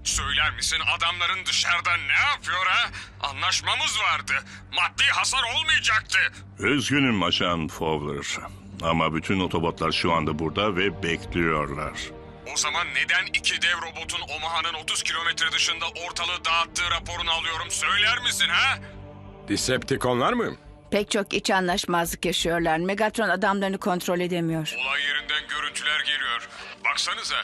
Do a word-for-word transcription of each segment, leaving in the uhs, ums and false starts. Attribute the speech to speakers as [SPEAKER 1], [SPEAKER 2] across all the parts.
[SPEAKER 1] Söyler misin adamların dışarıda ne yapıyor ha? Anlaşmamız vardı. Maddi hasar olmayacaktı.
[SPEAKER 2] Üzgünüm Ajan Fowler. Ama bütün otobotlar şu anda burada ve bekliyorlar.
[SPEAKER 1] O zaman neden iki dev robotun Omaha'nın otuz kilometre dışında ortalığı dağıttığı raporunu alıyorum söyler misin ha?
[SPEAKER 3] Decepticonlar mı?
[SPEAKER 4] Pek çok iç anlaşmazlık yaşıyorlar. Megatron adamlarını kontrol edemiyor.
[SPEAKER 1] Olay yerinden görüntüler geliyor. Baksanıza.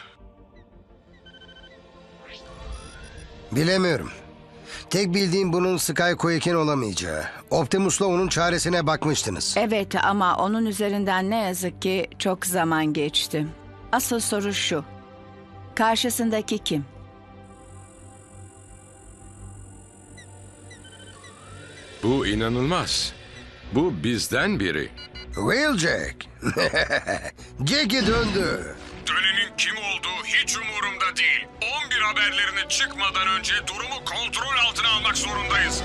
[SPEAKER 5] Bilemiyorum. Tek bildiğim bunun Skyquake'in olamayacağı. Optimus'la onun çaresine bakmıştınız.
[SPEAKER 4] Evet ama onun üzerinden ne yazık ki çok zaman geçti. Asıl soru şu. Karşısındaki kim?
[SPEAKER 3] Bu inanılmaz. Bu bizden biri.
[SPEAKER 5] Wheeljack. Jack'i döndü.
[SPEAKER 1] Dönenin kim olduğu hiç umurumda değil. on bir haberlerini çıkmadan önce durumu kontrol altına almak zorundayız.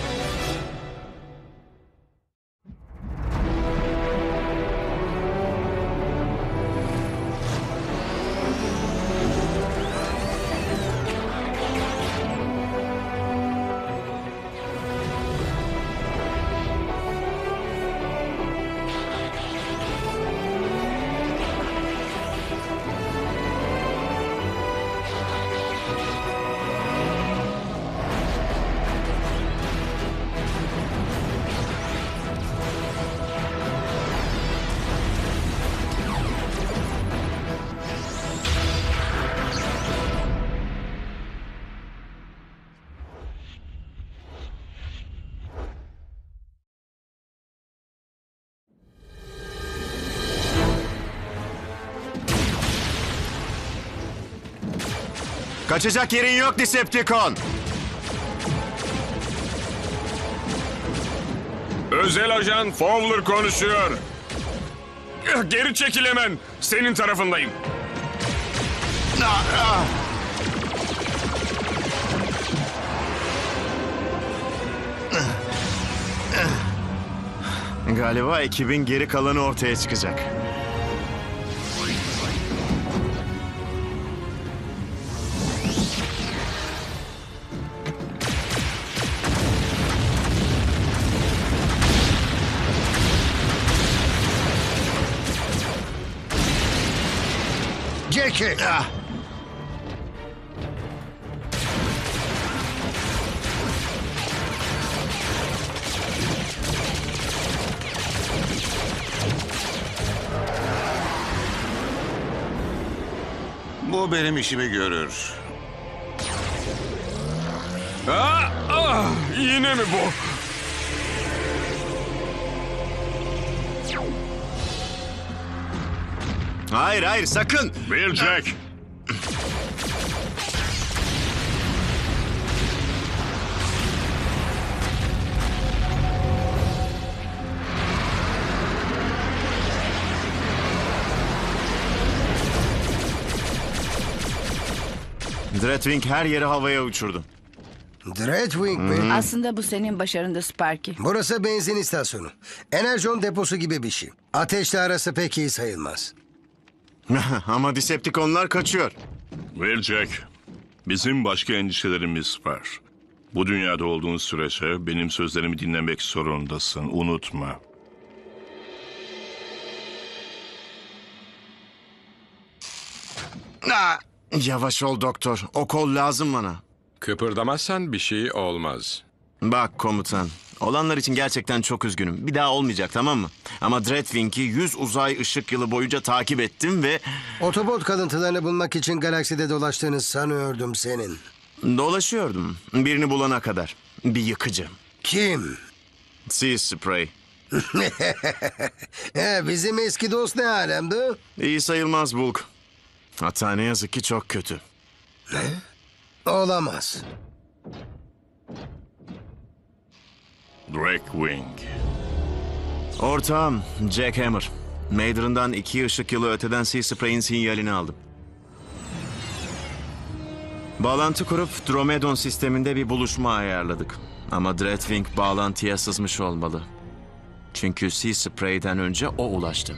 [SPEAKER 6] Kaçacak yerin yok Decepticon.
[SPEAKER 1] Özel ajan Fowler konuşuyor. Geri çekil hemen. Senin tarafındayım.
[SPEAKER 6] Galiba ekibin geri kalanı ortaya çıkacak.
[SPEAKER 5] Jack'i.
[SPEAKER 6] Ah!
[SPEAKER 7] Bu benim işimi görür.
[SPEAKER 1] Aa, ah, yine mi bu?
[SPEAKER 6] Hayır hayır sakın.
[SPEAKER 2] Wheeljack!
[SPEAKER 6] Dreadwing her yeri havaya uçurdu.
[SPEAKER 5] Dreadwing mi?
[SPEAKER 4] Aslında bu senin başarında Sparky.
[SPEAKER 5] Burası benzin istasyonu. Enerjon deposu gibi bir şey. Ateşle arası pek iyi sayılmaz.
[SPEAKER 6] Ama Decepticonlar kaçıyor.
[SPEAKER 2] Wheeljack, bizim başka endişelerimiz var. Bu dünyada olduğun sürece benim sözlerimi dinlemek zorundasın. Unutma.
[SPEAKER 6] Ah! Yavaş ol doktor. O kol lazım bana.
[SPEAKER 3] Kıpırdamazsan bir şey olmaz.
[SPEAKER 6] Bak komutan. Olanlar için gerçekten çok üzgünüm. Bir daha olmayacak tamam mı? Ama Dreadwing'i yüz uzay ışık yılı boyunca takip ettim ve...
[SPEAKER 5] Otobot kalıntılarını bulmak için galakside dolaştığını sanıyordum senin.
[SPEAKER 6] Dolaşıyordum. Birini bulana kadar. Bir yıkıcı.
[SPEAKER 5] Kim?
[SPEAKER 6] Sea Spray.
[SPEAKER 5] He, bizim eski dost ne alemde?
[SPEAKER 6] İyi sayılmaz Bulk. Hatta ne yazık ki çok kötü.
[SPEAKER 5] Olamaz.
[SPEAKER 2] Dreadwing.
[SPEAKER 6] Ortağım Jack Hammer. Mader'ından iki ışık yılı öteden Sea Spray'in sinyalini aldım. Bağlantı kurup Dromedon sisteminde bir buluşma ayarladık. Ama Dreadwing bağlantıya sızmış olmalı. Çünkü Sea Spray'den önce o ulaştı.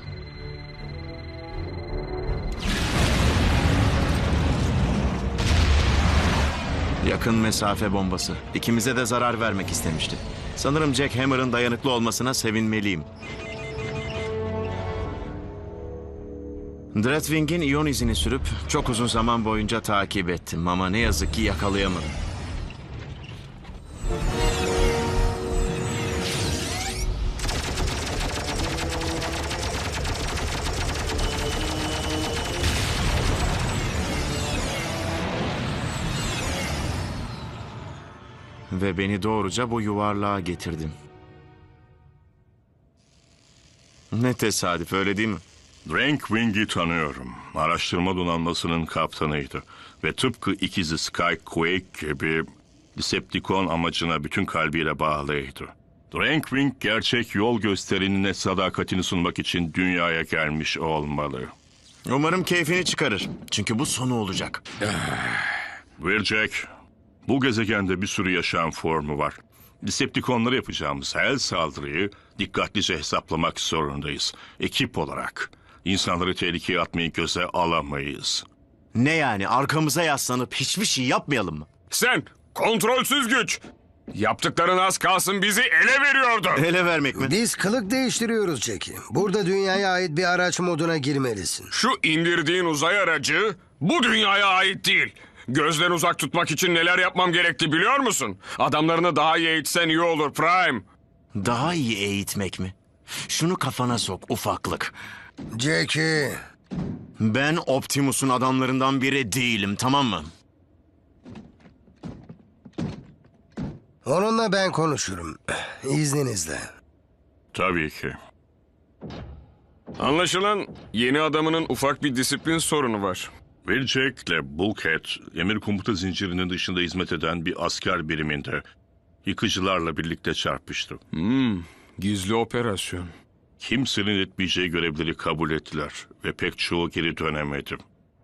[SPEAKER 6] Yakın mesafe bombası. İkimize de zarar vermek istemişti. Sanırım Jack Hammer'ın dayanıklı olmasına sevinmeliyim. Dreadwing'in iyon izini sürüp çok uzun zaman boyunca takip ettim ama ne yazık ki yakalayamadım. Ve beni doğruca bu yuvarlığa getirdim. Ne tesadüf, öyle değil mi?
[SPEAKER 2] Drakewing'i tanıyorum. Araştırma donanmasının kaptanıydı. Ve tıpkı ikizi Skyquake gibi Decepticon amacına bütün kalbiyle bağlıydı. Drakewing gerçek yol gösterimine sadakatini sunmak için dünyaya gelmiş olmalı.
[SPEAKER 6] Umarım keyfini çıkarır. Çünkü bu sonu olacak.
[SPEAKER 2] Jack, bu gezegende bir sürü yaşam formu var. Decepticonlara yapacağımız her saldırıyı dikkatlice hesaplamak zorundayız. Ekip olarak. İnsanları tehlikeye atmayı göze alamayız.
[SPEAKER 6] Ne yani, arkamıza yaslanıp hiçbir şey yapmayalım mı?
[SPEAKER 1] Sen kontrolsüz güç. Yaptıkların az kalsın bizi ele veriyordu.
[SPEAKER 6] Ele vermek mi?
[SPEAKER 5] Biz kılık değiştiriyoruz Jackie. Burada dünyaya ait bir araç moduna girmelisin.
[SPEAKER 1] Şu indirdiğin uzay aracı bu dünyaya ait değil. Gözden uzak tutmak için neler yapmam gerekti biliyor musun? Adamlarını daha iyi eğitsen iyi olur Prime.
[SPEAKER 6] Daha iyi eğitmek mi? Şunu kafana sok ufaklık.
[SPEAKER 5] Jackie,
[SPEAKER 6] Ben Optimus'un adamlarından biri değilim, tamam mı?
[SPEAKER 5] onunla ben konuşurum. İzninizle.
[SPEAKER 2] Tabii ki.
[SPEAKER 1] Anlaşılan yeni adamının ufak bir disiplin sorunu var.
[SPEAKER 2] Jack ile Bulkhead, emir komuta zincirinin dışında hizmet eden bir asker biriminde yıkıcılarla birlikte çarpıştı.
[SPEAKER 1] Gizli operasyon.
[SPEAKER 2] Kimsenin etmeyeceği görevleri kabul ettiler ve pek çoğu geri dönemedi.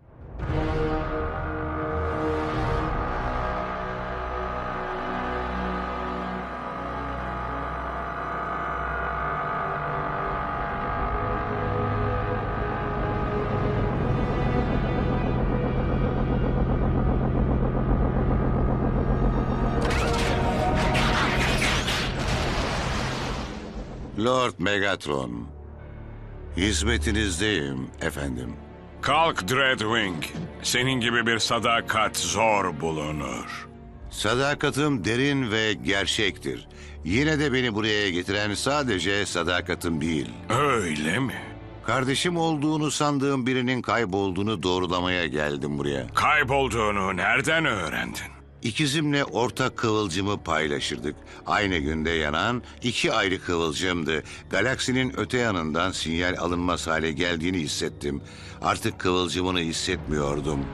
[SPEAKER 7] Lord Megatron. Hizmetinizdeyim efendim.
[SPEAKER 1] Kalk Dreadwing. Senin gibi bir sadakat zor bulunur.
[SPEAKER 7] Sadakatim derin ve gerçektir. Yine de beni buraya getiren sadece sadakatim değil.
[SPEAKER 1] Öyle mi?
[SPEAKER 7] Kardeşim olduğunu sandığım birinin kaybolduğunu doğrulamaya geldim buraya.
[SPEAKER 1] Kaybolduğunu nereden öğrendin?
[SPEAKER 7] İkizimle ortak kıvılcımı paylaşırdık. Aynı günde yanan iki ayrı kıvılcımdı. Galaksinin öte yanından sinyal alınmaz hale geldiğini hissettim. Artık kıvılcımını hissetmiyordum.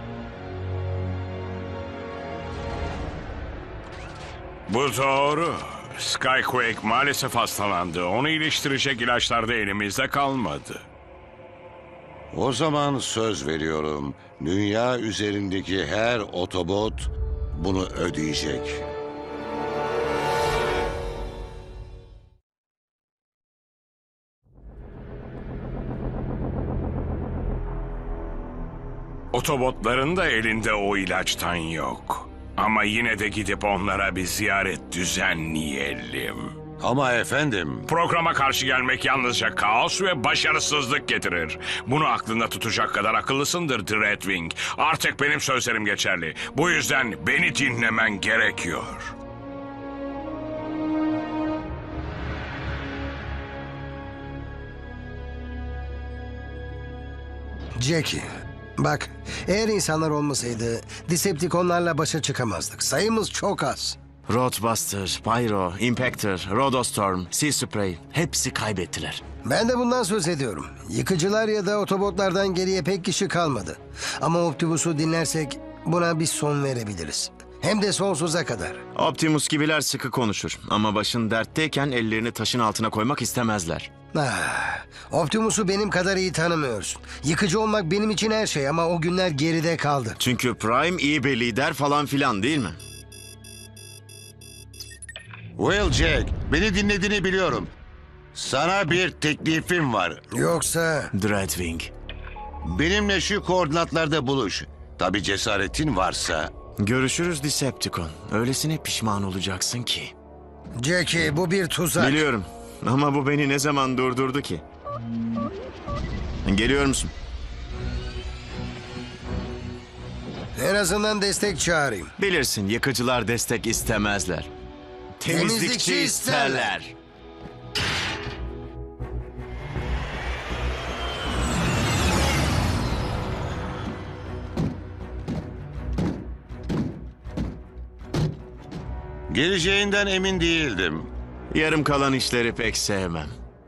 [SPEAKER 1] Bu doğru. Skyquake maalesef hastalandı. Onu iyileştirecek ilaçlar da elimizde kalmadı.
[SPEAKER 7] O zaman söz veriyorum. Dünya üzerindeki her otobot bunu ödeyecek.
[SPEAKER 1] Otobotların da elinde o ilaçtan yok. Ama yine de gidip onlara bir ziyaret düzenleyelim.
[SPEAKER 7] Ama efendim,
[SPEAKER 1] Programa karşı gelmek yalnızca kaos ve başarısızlık getirir. Bunu aklında tutacak kadar akıllısındır Dreadwing. Artık benim sözlerim geçerli. Bu yüzden beni dinlemen gerekiyor.
[SPEAKER 5] Jackie, bak, eğer insanlar olmasaydı Decepticonlarla başa çıkamazdık. Sayımız çok az.
[SPEAKER 6] Roadbuster, Pyro, Impactor, Rhodostorm, Sea Spray hepsi kaybettiler.
[SPEAKER 5] Ben de bundan söz ediyorum. Yıkıcılar ya da otobotlardan geriye pek kişi kalmadı. Ama Optimus'u dinlersek buna bir son verebiliriz. Hem de sonsuza kadar.
[SPEAKER 6] Optimus gibiler sıkı konuşur ama başın dertteyken ellerini taşın altına koymak istemezler.
[SPEAKER 5] Ah, Optimus'u benim kadar iyi tanımıyorsun. Yıkıcı olmak benim için her şey ama o günler geride kaldı.
[SPEAKER 6] Çünkü Prime iyi bir lider falan filan değil mi?
[SPEAKER 7] Well Jack, beni dinlediğini biliyorum. Sana bir teklifim var.
[SPEAKER 5] Yoksa
[SPEAKER 6] Dreadwing.
[SPEAKER 7] Benimle şu koordinatlarda buluş. Tabii cesaretin varsa.
[SPEAKER 6] Görüşürüz Decepticon. Öylesine pişman olacaksın ki.
[SPEAKER 5] Jackie, bu bir tuzak.
[SPEAKER 6] Biliyorum ama bu beni ne zaman durdurdu ki? Geliyor musun?
[SPEAKER 5] En azından destek çağırayım.
[SPEAKER 6] Bilirsin yıkıcılar destek istemezler. Temizlikçi,
[SPEAKER 5] Temizlikçi isterler.
[SPEAKER 6] isterler.
[SPEAKER 7] Geleceğinden emin değildim.
[SPEAKER 6] Yarım kalan işleri pek sevmem.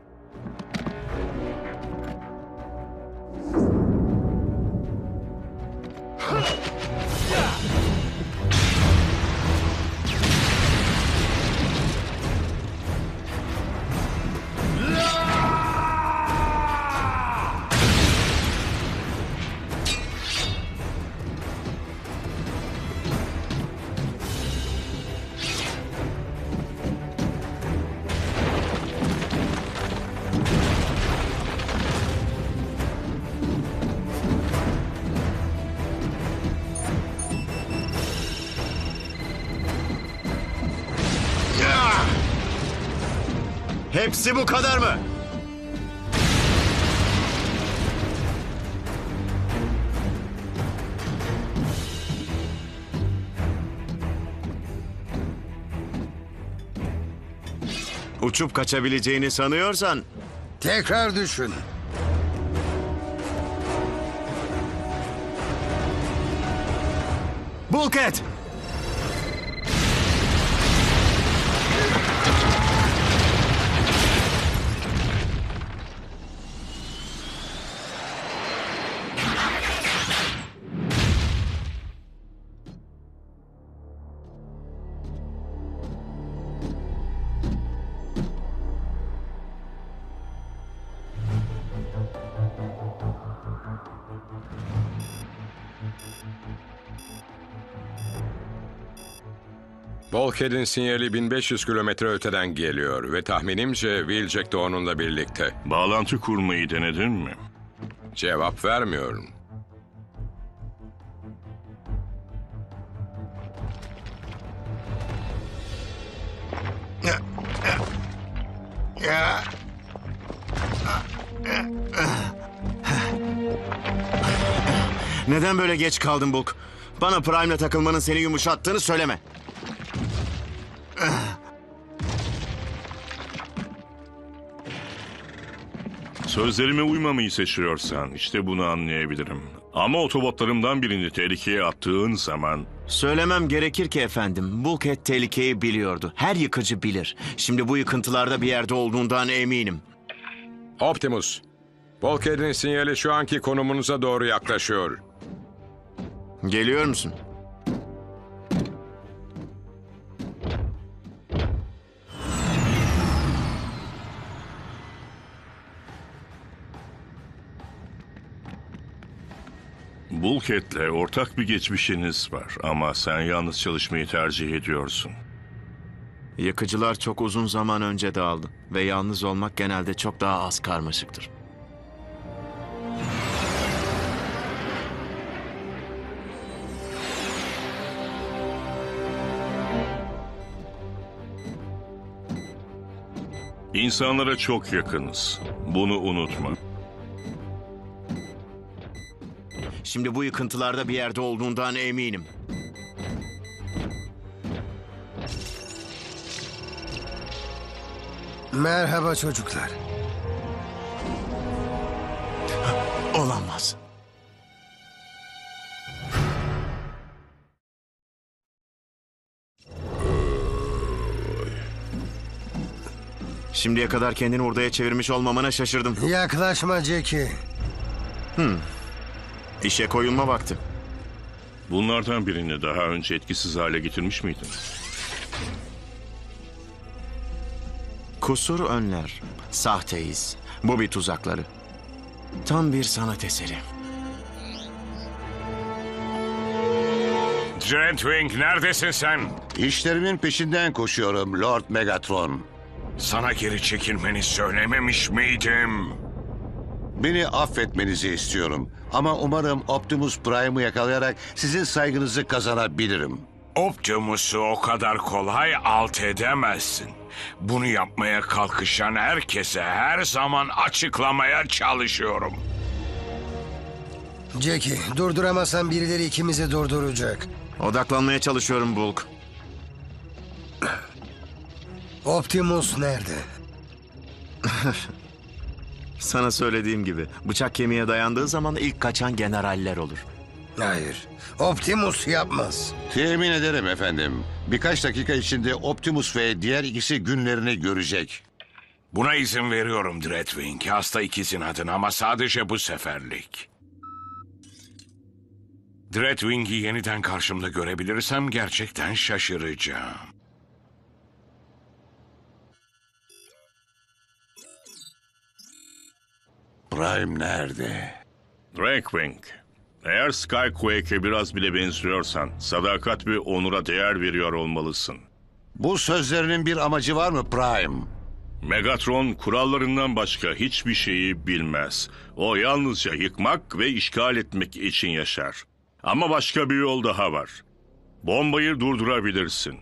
[SPEAKER 6] Hepsi bu kadar mı? Uçup kaçabileceğini sanıyorsan
[SPEAKER 5] Tekrar düşün.
[SPEAKER 6] Bulkhead!
[SPEAKER 3] Bulkhead'in sinyali bin beş yüz kilometre öteden geliyor ve tahminimce Wheeljack de onunla birlikte.
[SPEAKER 2] Bağlantı kurmayı denedin mi?
[SPEAKER 3] Cevap vermiyorum.
[SPEAKER 6] Neden böyle geç kaldın Bulk? Bana Prime'le takılmanın seni yumuşattığını söyleme.
[SPEAKER 2] Sözlerime uymamayı seçiyorsan işte bunu anlayabilirim. Ama otobotlarımdan birini tehlikeye attığın zaman...
[SPEAKER 6] Söylemem gerekir ki efendim, Bulkhead tehlikeyi biliyordu. Her yıkıcı bilir. Şimdi bu yıkıntılarda bir yerde olduğundan eminim.
[SPEAKER 3] Optimus, Bulkhead'in sinyali şu anki konumunuza doğru yaklaşıyor.
[SPEAKER 6] Geliyor musun?
[SPEAKER 2] Bulkhead'le ortak bir geçmişiniz var ama sen yalnız çalışmayı tercih ediyorsun.
[SPEAKER 6] Yıkıcılar çok uzun zaman önce dağıldı ve yalnız olmak genelde çok daha az karmaşıktır.
[SPEAKER 2] İnsanlara çok yakınız. Bunu unutma.
[SPEAKER 6] Şimdi bu yıkıntılarda bir yerde olduğundan eminim.
[SPEAKER 5] Merhaba çocuklar.
[SPEAKER 6] Olamaz. Şimdiye kadar kendini hurdaya çevirmiş olmamana şaşırdım.
[SPEAKER 5] Yaklaşma Jackie.
[SPEAKER 6] İşe koyulma vakti.
[SPEAKER 2] Bunlardan birini daha önce etkisiz hale getirmiş miydin?
[SPEAKER 6] Kusur önler. Sahteyiz. Bu bir tuzakları. Tam bir sanat eseri.
[SPEAKER 1] Dreadwing, neredesin sen?
[SPEAKER 7] İşlerimin peşinden koşuyorum Lord Megatron.
[SPEAKER 1] Sana geri çekilmeni söylememiş miydim?
[SPEAKER 7] Beni affetmenizi istiyorum. Ama umarım Optimus Prime'ı yakalayarak sizin saygınızı kazanabilirim.
[SPEAKER 1] Optimus'u o kadar kolay alt edemezsin. Bunu yapmaya kalkışan herkese her zaman açıklamaya çalışıyorum.
[SPEAKER 5] Jackie, durduramazsan birileri ikimizi durduracak.
[SPEAKER 6] Odaklanmaya çalışıyorum Bulk.
[SPEAKER 5] Optimus nerede?
[SPEAKER 6] Sana söylediğim gibi bıçak kemiğe dayandığı zaman ilk kaçan generaller olur.
[SPEAKER 5] Hayır, Optimus yapmaz.
[SPEAKER 7] Temin ederim efendim. Birkaç dakika içinde Optimus ve diğer ikisi günlerini görecek.
[SPEAKER 1] Buna izin veriyorum Dreadwing. Hasta ikizin adına ama sadece bu seferlik. Dreadwing'i yeniden karşımda görebilirsem gerçekten şaşıracağım.
[SPEAKER 7] Prime nerede?
[SPEAKER 2] Drakewing, eğer Skyquake'e biraz bile benziyorsan sadakat ve onura değer veriyor olmalısın.
[SPEAKER 7] Bu sözlerinin bir amacı var mı Prime?
[SPEAKER 2] Megatron kurallarından başka hiçbir şeyi bilmez. O yalnızca yıkmak ve işgal etmek için yaşar. Ama başka bir yol daha var. Bombayı durdurabilirsin.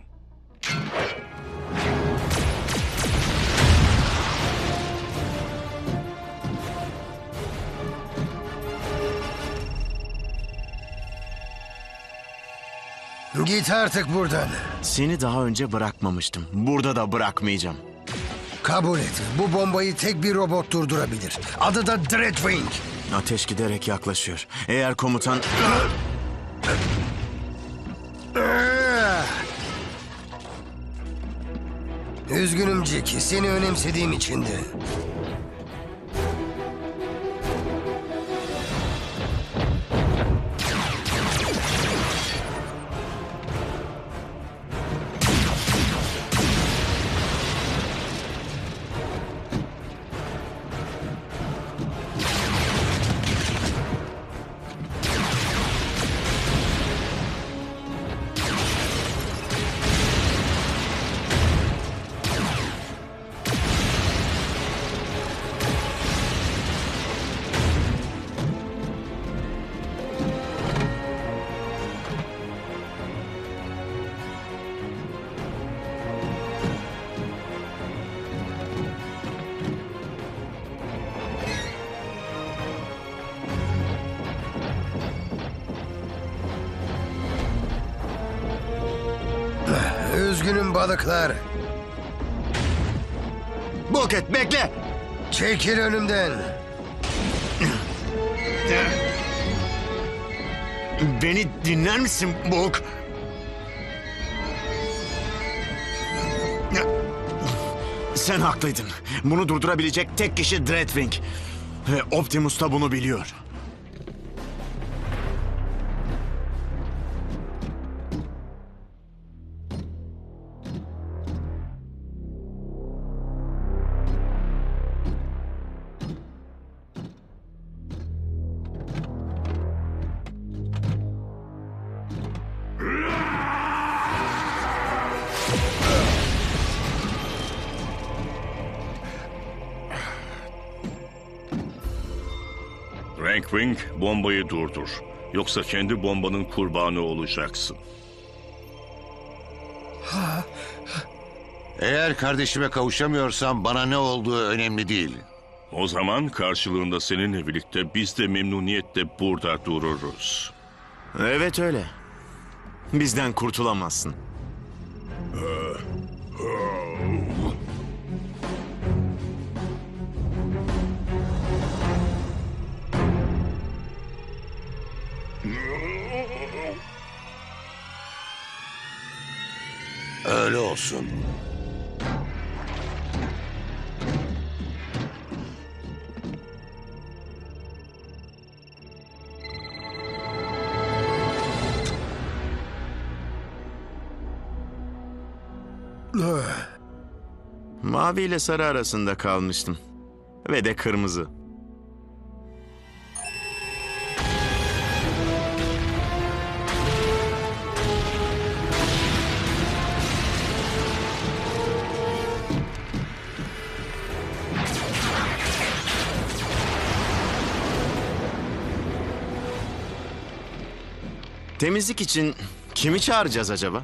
[SPEAKER 5] Git artık buradan.
[SPEAKER 6] Seni daha önce bırakmamıştım. Burada da bırakmayacağım.
[SPEAKER 5] Kabul et. Bu bombayı tek bir robot durdurabilir. Adı da Dreadwing.
[SPEAKER 6] Ateş giderek yaklaşıyor. Eğer komutan...
[SPEAKER 5] Üzgünüm Jackie. Seni önemsediğim içindi. Üzgünüm balıklar.
[SPEAKER 6] Bulket bekle!
[SPEAKER 5] Çekil önümden.
[SPEAKER 6] Beni dinler misin Bulk? Sen haklıydın. Bunu durdurabilecek tek kişi Dreadwing. Ve Optimus da bunu biliyor.
[SPEAKER 2] Drakewing, bombayı durdur. Yoksa kendi bombanın kurbanı olacaksın.
[SPEAKER 7] Eğer kardeşime kavuşamıyorsam bana ne olduğu önemli değil.
[SPEAKER 2] O zaman karşılığında seninle birlikte biz de memnuniyetle burada dururuz.
[SPEAKER 6] Evet öyle. Bizden kurtulamazsın.
[SPEAKER 7] Öyle olsun.
[SPEAKER 6] Mavi ile sarı arasında kalmıştım. Ve de kırmızı. Temizlik için kimi çağıracağız acaba?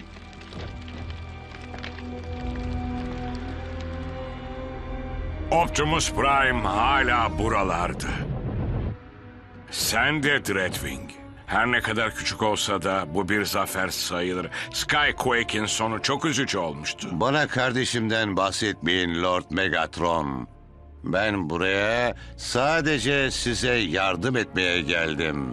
[SPEAKER 1] Optimus Prime hala buralardı. Sen de Dreadwing. Her ne kadar küçük olsa da bu bir zafer sayılır. Skyquake'in sonu çok üzücü olmuştu.
[SPEAKER 7] Bana kardeşimden bahsetmeyin Lord Megatron. Ben buraya sadece size yardım etmeye geldim.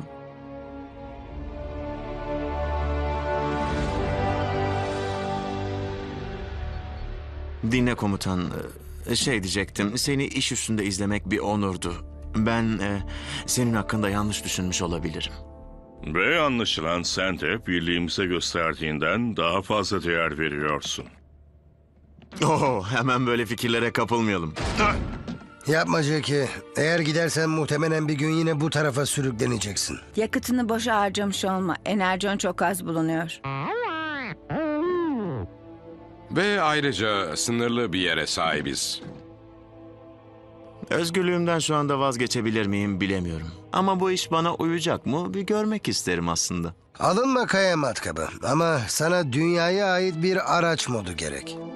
[SPEAKER 6] Dinle komutan. Ee, Şey diyecektim, seni iş üstünde izlemek bir onurdu. Ben e, senin hakkında yanlış düşünmüş olabilirim.
[SPEAKER 2] Ve anlaşılan sen de birliğimize gösterdiğinden daha fazla değer veriyorsun.
[SPEAKER 6] Oo, hemen böyle fikirlere kapılmayalım.
[SPEAKER 5] Yapma Jackie. Eğer gidersen muhtemelen bir gün yine bu tarafa sürükleneceksin.
[SPEAKER 4] Yakıtını boşa harcamış olma. Enerjon çok az bulunuyor.
[SPEAKER 3] Ve ayrıca sınırlı bir yere sahibiz.
[SPEAKER 6] Özgürlüğümden şu anda vazgeçebilir miyim bilemiyorum. Ama bu iş bana uyacak mı bir görmek isterim aslında.
[SPEAKER 5] Alınma kaya matkabı ama sana dünyaya ait bir araç modu gerek.